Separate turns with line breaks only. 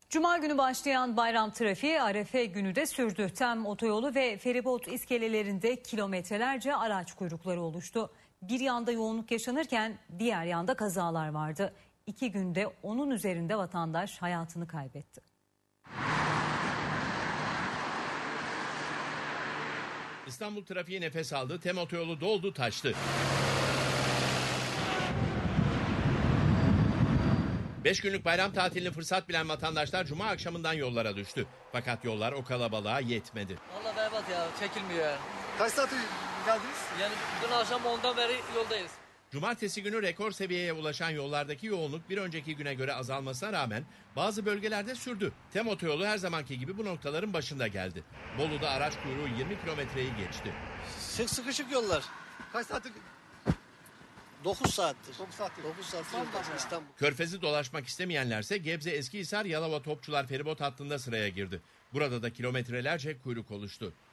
Cuma günü başlayan bayram trafiği Arefe günü de sürdü. TEM otoyolu ve feribot iskelelerinde kilometrelerce araç kuyrukları oluştu. Bir yanda yoğunluk yaşanırken diğer yanda kazalar vardı. 2 günde onun üzerinde vatandaş hayatını kaybetti.
İstanbul trafiği nefes aldı, TEM otoyolu doldu taştı. 5 günlük bayram tatilini fırsat bilen vatandaşlar Cuma akşamından yollara düştü. Fakat yollar o kalabalığa yetmedi.
Vallahi berbat ya, çekilmiyor yani.
Kaç saat geldiniz?
Yani dün akşam 10'dan beri yoldayız.
Cumartesi günü rekor seviyeye ulaşan yollardaki yoğunluk bir önceki güne göre azalmasına rağmen bazı bölgelerde sürdü. TEM otoyolu her zamanki gibi bu noktaların başında geldi. Bolu'da araç kuyruğu 20 kilometreyi geçti.
Sıkışık yollar.
Kaç saattir?
9 saattir.
9 saattir.
9 saattir yoldayız İstanbul.
Körfez'i dolaşmak istemeyenlerse Gebze Eskihisar Yalova Topçular feribot hattında sıraya girdi. Burada da kilometrelerce kuyruk oluştu.